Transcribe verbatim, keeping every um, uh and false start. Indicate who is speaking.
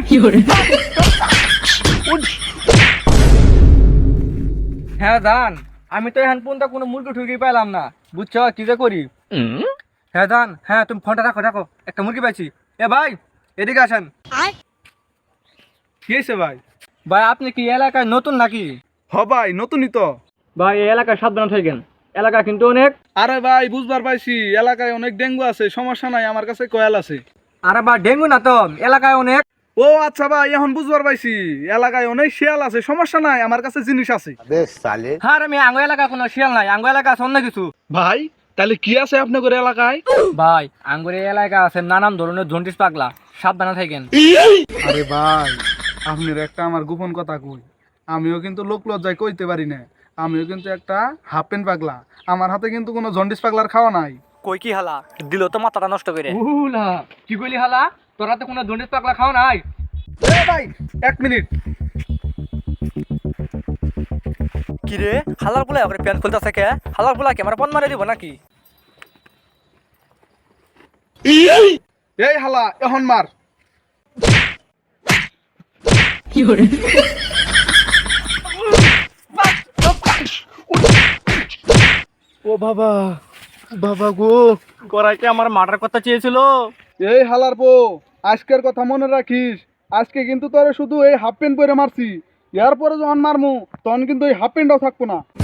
Speaker 1: হ্যাঁ দান, আমি তো এখন পর্যন্ত কোনো মুরগি ঠুরগি পাইলাম না, বুঝছো কি যে করি। হ্যাঁ দান, হ্যাঁ তুমি ফোনটা রাখো রাখো, একটা মুরগি পাইছি। এ ভাই এদিকে আসেন।
Speaker 2: কি হয়েছে ভাই?
Speaker 1: ভাই আপনি কি এলাকায় নতুন নাকি?
Speaker 2: হ ভাই, নতুনই তো।
Speaker 1: ভাই এই এলাকায় সাবধান থাকেন, এলাকা কিন্তু অনেক।
Speaker 2: আরে ভাই বুঝবার পাইছি, এলাকায় অনেক ডেঙ্গু আছে, সমস্যা নাই, আমার কাছে কয়াল আছে।
Speaker 1: আরে ভাই ডেঙ্গু না তো, এলাকায় অনেক।
Speaker 2: ও আচ্ছা ভাই, এখন বুঝবার পাইছি, এলাকায় অনেক শিয়াল আছে, সমস্যা নাই, আমার কাছে জিনিস আছে।
Speaker 1: হ্যাঁ আমি আঙ্গ এলাকা কোনো শিয়াল নাই, আঙ্গ এলাকা আছে অন্য কিছু।
Speaker 2: ভাই তাহলে কি আছে আপনাদের এলাকায়?
Speaker 1: ভাই আঙ্গুর এই এলাকা আছে নানান ধরনের জন্ডিস পাগলা, সাবধানে থাকেন।
Speaker 2: আরে ভাই, আপনার একটা আমার গোপন কথা কই, আমিও কিন্তু লোক লজ্জায় কইতে পারি না, আমিও কিন্তু একটা হাফ প্যান্ট পাগলা, আমার হাতে কিন্তু কোনো জন্ডিস পাগলার খাওয়া নাই।
Speaker 1: কই কি হালা দিল তো মাথাটা নষ্ট করে। উলা কি কইলি হালা, তোর হাতে কোনো জন্ডিস পাগলা খাও নাই?
Speaker 2: এ ভাই এক মিনিট।
Speaker 1: কি রে হালার পোলা ওকে প্যান্ট খুলতেছে কে? হালার পোলা কি আমার পন মারে দিব নাকি?
Speaker 2: এই হালা এখন মার।
Speaker 1: ও বাবা, বাবা গো, করাই কি আমার মার্ডার কথা চেয়েছিল?
Speaker 2: এই হালার পো, আজকের কথা মনে রাখিস, আজকে কিন্তু তোরে শুধু এই হাফ প্যান্ট পরে মারছি, এরপরে যখন মারমু তখন কিন্তু এই হাফ প্যান্টটাও থাকবো না।